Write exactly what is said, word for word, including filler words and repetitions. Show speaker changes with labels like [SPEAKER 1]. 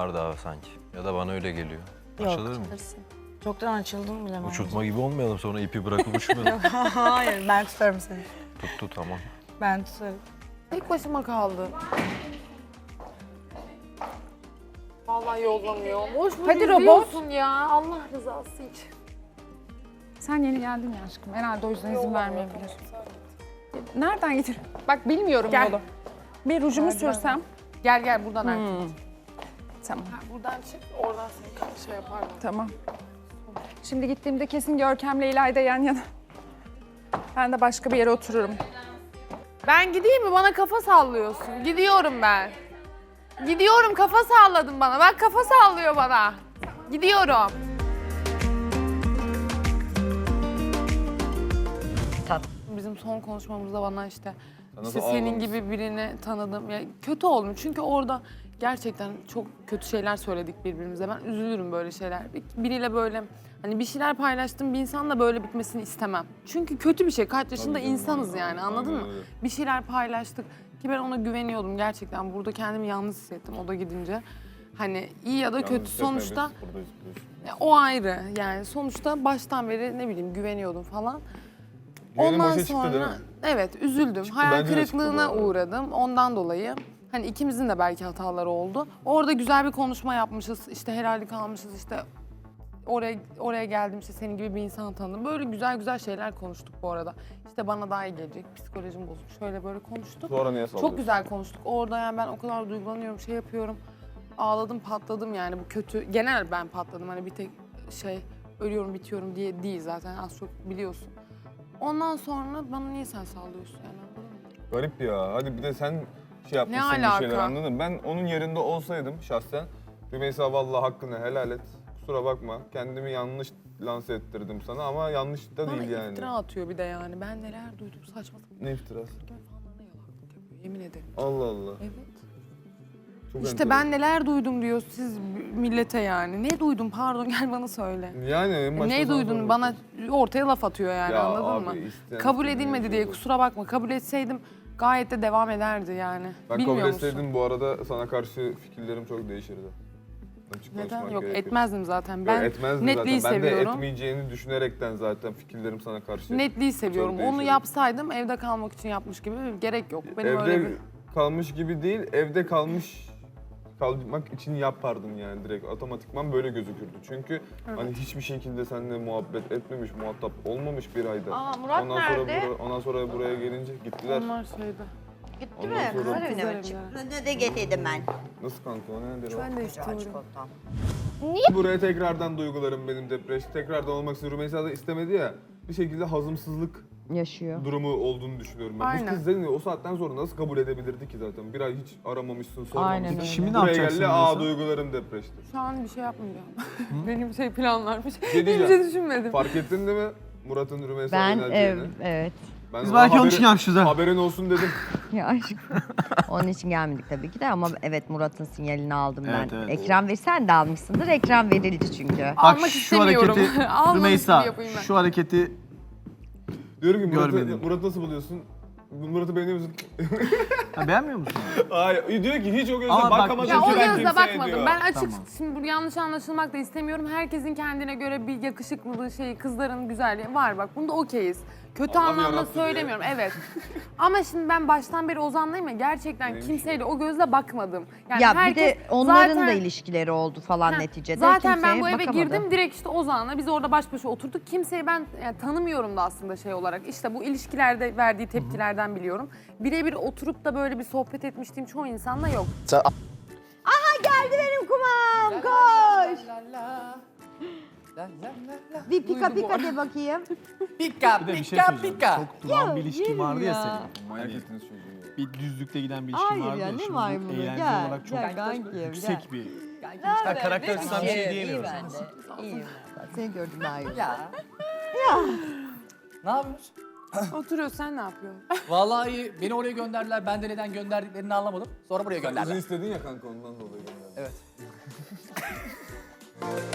[SPEAKER 1] var daha sanki. Ya da bana öyle geliyor.
[SPEAKER 2] Yok.
[SPEAKER 1] Açılır mı?
[SPEAKER 2] Çoktan açıldım bile.
[SPEAKER 1] Uçurtma gibi olmayalım sonra ipi bırakıp uçmayalım.
[SPEAKER 2] Hayır, ben tutarım seni.
[SPEAKER 1] Tuttu tamam.
[SPEAKER 2] Ben tutarım.
[SPEAKER 3] Tek başıma kaldı. Vallahi yollamıyor. Boş boş
[SPEAKER 2] Hadi robot.
[SPEAKER 3] izliyorsun ya. Allah rızası için.
[SPEAKER 4] Sen yeni geldin ya aşkım. Herhalde o yüzden izin vermeyebilir. Nereden getir? Bak bilmiyorum
[SPEAKER 3] Gel.
[SPEAKER 4] yolu. Bir rujumu sürsem.
[SPEAKER 3] Gel gel buradan artık.
[SPEAKER 4] Hmm. Tamam,
[SPEAKER 3] Buradan çık, oradan seni şey yaparlar.
[SPEAKER 4] tamam. Şimdi gittiğimde kesin Görkem'le İlayda yan yana. Ben de başka bir yere otururum.
[SPEAKER 3] Ben gideyim mi? Bana kafa sallıyorsun. Gidiyorum ben. Gidiyorum, kafa salladın bana. Bak kafa sallıyor bana. Gidiyorum. Bizim son konuşmamızda bana işte, işte senin gibi birini tanıdım. Ya kötü oldum çünkü orada gerçekten çok kötü şeyler söyledik birbirimize. Ben üzülürüm böyle şeyler. Biriyle böyle hani bir şeyler paylaştım, bir insanla böyle bitmesini istemem. Çünkü kötü bir şey. Kaç yaşında insanız yani, anladın mı? Bir şeyler paylaştık ki ben ona güveniyordum gerçekten. Burada kendimi yalnız hissettim o da gidince. Hani iyi ya da kötü sonuçta ya, o ayrı yani sonuçta baştan beri ne bileyim güveniyordum falan.
[SPEAKER 5] Güvenim
[SPEAKER 3] Ondan
[SPEAKER 5] boşa çıktı değil
[SPEAKER 3] sonra
[SPEAKER 5] mi?
[SPEAKER 3] evet üzüldüm.
[SPEAKER 5] Çıktı,
[SPEAKER 3] Hayal
[SPEAKER 5] bence de çıktı bu
[SPEAKER 3] kırıklığına
[SPEAKER 5] arada.
[SPEAKER 3] uğradım ondan dolayı. Hani ikimizin de belki hataları oldu. Orada güzel bir konuşma yapmışız. İşte helallik almışız işte oraya oraya geldim işte senin gibi bir insan tanıdım. Böyle güzel güzel şeyler konuştuk bu arada. İşte bana daha iyi gelecek. Psikolojim bozuk. Şöyle böyle konuştuk.
[SPEAKER 5] Sonra niye sallıyorsun?
[SPEAKER 3] Çok güzel konuştuk. Orada yani ben o kadar duygulanıyorum, şey yapıyorum. Ağladım, patladım yani bu kötü. Genel ben patladım hani bir tek şey ölüyorum, bitiyorum diye değil zaten az çok biliyorsun. Ondan sonra bana niye sen sallıyorsun yani anladın mı?
[SPEAKER 5] Garip ya. Hadi bir de sen şey yapmışsın
[SPEAKER 3] Ne
[SPEAKER 5] bir şeyler
[SPEAKER 3] alaka?
[SPEAKER 5] anladın mı? Ben onun yerinde olsaydım şahsen Rümeysa vallahi hakkını helal et. Kusura bakma. Kendimi yanlış lanse ettirdim sana ama yanlış da
[SPEAKER 3] Bana
[SPEAKER 5] değil yani.
[SPEAKER 3] iftira atıyor bir de yani. Ben neler duydum saçma sapan.
[SPEAKER 5] Ne iftirası?
[SPEAKER 3] Görkem fanlarına yalaklık yapıyor yemin ederim.
[SPEAKER 5] Allah Allah.
[SPEAKER 3] Evet.
[SPEAKER 5] Çok
[SPEAKER 3] İşte
[SPEAKER 5] enteresan.
[SPEAKER 3] ben neler duydum diyor siz millete yani. Ne duydum pardon gel bana söyle.
[SPEAKER 5] Yani en başta
[SPEAKER 3] Ne
[SPEAKER 5] sana
[SPEAKER 3] duydun
[SPEAKER 5] sormak
[SPEAKER 3] bana
[SPEAKER 5] istedim.
[SPEAKER 3] ortaya laf atıyor yani
[SPEAKER 5] Ya
[SPEAKER 3] anladın
[SPEAKER 5] abi,
[SPEAKER 3] mı?
[SPEAKER 5] isteyen
[SPEAKER 3] Kabul
[SPEAKER 5] istediğini
[SPEAKER 3] edilmedi diye
[SPEAKER 5] yapıyor.
[SPEAKER 3] kusura bakma. Kabul etseydim gayet de devam ederdi yani.
[SPEAKER 5] Ben
[SPEAKER 3] Bilmiyor
[SPEAKER 5] kabul
[SPEAKER 3] musun?
[SPEAKER 5] etseydim bu arada sana karşı fikirlerim çok değişirdi. Açık
[SPEAKER 3] Neden?
[SPEAKER 5] konuşmak
[SPEAKER 3] Yok
[SPEAKER 5] gerekirse.
[SPEAKER 3] etmezdim zaten.
[SPEAKER 5] Yok,
[SPEAKER 3] Ben
[SPEAKER 5] etmezdim
[SPEAKER 3] netliği
[SPEAKER 5] zaten. Ben de
[SPEAKER 3] seviyorum.
[SPEAKER 5] etmeyeceğini düşünerekten zaten fikirlerim sana karşı.
[SPEAKER 3] Netliği seviyorum. Onu
[SPEAKER 5] değişirdi.
[SPEAKER 3] yapsaydım evde kalmak için yapmış gibi gerek yok. Benim
[SPEAKER 5] Evde
[SPEAKER 3] öyle bir...
[SPEAKER 5] kalmış gibi değil, evde kalmış kalmak için yapardım yani direkt otomatikman böyle gözükürdü. Çünkü hani hiçbir şekilde seninle muhabbet etmemiş, muhatap olmamış bir ayda.
[SPEAKER 6] Aa, Murat
[SPEAKER 5] ondan
[SPEAKER 6] nerede?
[SPEAKER 5] Sonra bura- ondan sonra buraya gelince gittiler.
[SPEAKER 3] Onlar şeyde.
[SPEAKER 6] Gitti
[SPEAKER 5] Ondan
[SPEAKER 6] mi?
[SPEAKER 5] sonra-
[SPEAKER 6] Kızlar evine
[SPEAKER 3] Kızlar
[SPEAKER 6] mi çıktı?
[SPEAKER 3] evine.
[SPEAKER 6] Ne de getirdim ben.
[SPEAKER 5] Nasıl kanka o nedir o?
[SPEAKER 3] Ben de istiyorum.
[SPEAKER 6] Çikolata.
[SPEAKER 5] Buraya tekrardan duygularım benim depresyon. Tekrardan olmak istiyorum. Rümeysa da istemedi ya. Bir şekilde hazımsızlık
[SPEAKER 7] yaşıyor.
[SPEAKER 5] durumu olduğunu düşünüyorum ben.
[SPEAKER 3] Aynen.
[SPEAKER 5] Bu kız seni o saatten sonra nasıl kabul edebilirdi ki zaten? Bir ay hiç aramamışsın, sormamışsın.
[SPEAKER 7] Aynen öyle.
[SPEAKER 8] Şimdi ne
[SPEAKER 5] Buraya
[SPEAKER 8] yapacaksın
[SPEAKER 5] geldi, aa
[SPEAKER 8] Rümeysa?
[SPEAKER 5] duygularım depreşti.
[SPEAKER 3] Şu an bir şey yapmayacağım. Benim şey planlarmış.
[SPEAKER 5] şey
[SPEAKER 3] Hiçbir
[SPEAKER 5] diyeceğim.
[SPEAKER 3] şey düşünmedim.
[SPEAKER 5] Fark ettin değil mi Murat'ın Rümeysa'ya
[SPEAKER 7] Ben
[SPEAKER 5] yöneleceğini?
[SPEAKER 7] ev, evet.
[SPEAKER 5] Ben
[SPEAKER 8] Biz
[SPEAKER 5] ona
[SPEAKER 8] belki onun
[SPEAKER 5] haberi-
[SPEAKER 8] için yapmışız ha.
[SPEAKER 5] Haberin olsun dedim.
[SPEAKER 7] Ya aşkım. Onun için gelmedik tabii ki de ama evet Murat'ın sinyalini aldım
[SPEAKER 8] Evet,
[SPEAKER 7] ben.
[SPEAKER 8] evet.
[SPEAKER 7] Ekran ver, sen de almışsındır. Ekran verildi çünkü.
[SPEAKER 8] Bak
[SPEAKER 3] Almak
[SPEAKER 8] şu
[SPEAKER 3] istemiyorum.
[SPEAKER 8] hareketi
[SPEAKER 3] Almamış
[SPEAKER 8] Rümeysa,
[SPEAKER 3] gibi yapayım ben.
[SPEAKER 8] şu hareketi
[SPEAKER 5] Diyorum ki Murat'ı,
[SPEAKER 8] Görmedim.
[SPEAKER 5] Murat nasıl buluyorsun? Murat'ı beğeniyor musun?
[SPEAKER 8] ha, beğenmiyor musun?
[SPEAKER 5] Hayır, diyor ki hiç o gözle
[SPEAKER 8] Ama bak-
[SPEAKER 5] bakamadın
[SPEAKER 3] Ya
[SPEAKER 5] ki
[SPEAKER 3] o
[SPEAKER 5] ben
[SPEAKER 3] gözle
[SPEAKER 5] kimseye
[SPEAKER 3] bakmadım.
[SPEAKER 5] diyor.
[SPEAKER 3] Ben açık,
[SPEAKER 8] Tamam.
[SPEAKER 3] şimdi bu yanlış anlaşılmak da istemiyorum. Herkesin kendine göre bir yakışıklılığı, şeyi, kızların güzelliği var bak. Bunda okeyiz. Kötü
[SPEAKER 5] Allah
[SPEAKER 3] anlamda
[SPEAKER 5] yarattı diye.
[SPEAKER 3] söylemiyorum, evet. Ama şimdi ben baştan beri Ozan'layım ya gerçekten
[SPEAKER 5] Neymiş
[SPEAKER 3] kimseyle o gözle bakmadım. Yani
[SPEAKER 7] ya bir
[SPEAKER 3] herkes
[SPEAKER 7] de onların
[SPEAKER 3] zaten-
[SPEAKER 7] da ilişkileri oldu falan
[SPEAKER 3] Ha,
[SPEAKER 7] neticede.
[SPEAKER 3] Zaten ben
[SPEAKER 7] Kimseye
[SPEAKER 3] bu eve
[SPEAKER 7] bakamadı.
[SPEAKER 3] girdim direkt işte Ozan'la biz orada baş başa oturduk. Kimseyi ben yani tanımıyorum da aslında şey olarak. İşte bu ilişkilerde verdiği tepkilerden biliyorum. Birebir oturup da böyle bir sohbet etmiştiğim çoğu insanla yok.
[SPEAKER 7] Geldi benim kumam, koş. Bir pika
[SPEAKER 3] Duydu bu
[SPEAKER 7] pika de bakayım.
[SPEAKER 9] Pika
[SPEAKER 8] Bir de bir şey
[SPEAKER 9] pika
[SPEAKER 8] söyleyeceğim.
[SPEAKER 9] pika.
[SPEAKER 8] Çok duran bir ilişkin
[SPEAKER 7] yerim
[SPEAKER 8] vardı ya,
[SPEAKER 7] ya.
[SPEAKER 8] senin.
[SPEAKER 5] Manyak
[SPEAKER 8] Hani
[SPEAKER 5] ettiniz çocuğu ya.
[SPEAKER 8] bir düzlükte giden bir ilişkin
[SPEAKER 7] Hayır
[SPEAKER 8] vardı
[SPEAKER 7] ya,
[SPEAKER 8] ya.
[SPEAKER 7] ne
[SPEAKER 8] Şimdi bu
[SPEAKER 7] var bunun?
[SPEAKER 8] eğlence
[SPEAKER 7] Gel,
[SPEAKER 8] olarak çok
[SPEAKER 7] gel kankim,
[SPEAKER 8] yüksek
[SPEAKER 7] gel.
[SPEAKER 8] bir...
[SPEAKER 9] Ben karakter açısından bir şey diyemiyorum.
[SPEAKER 7] İyiyim. Seni gördüm daha iyi.
[SPEAKER 9] Ya. Ne yapıyorsun?
[SPEAKER 3] Oturuyor sen ne yapıyorsun?
[SPEAKER 9] Vallahi iyi. Beni oraya gönderdiler. Ben de neden gönderdiklerini anlamadım. Sonra buraya
[SPEAKER 5] Sen izin
[SPEAKER 9] gönderdiler.
[SPEAKER 5] istedin ya kanka ondan dolayı gönderdim.
[SPEAKER 9] Evet.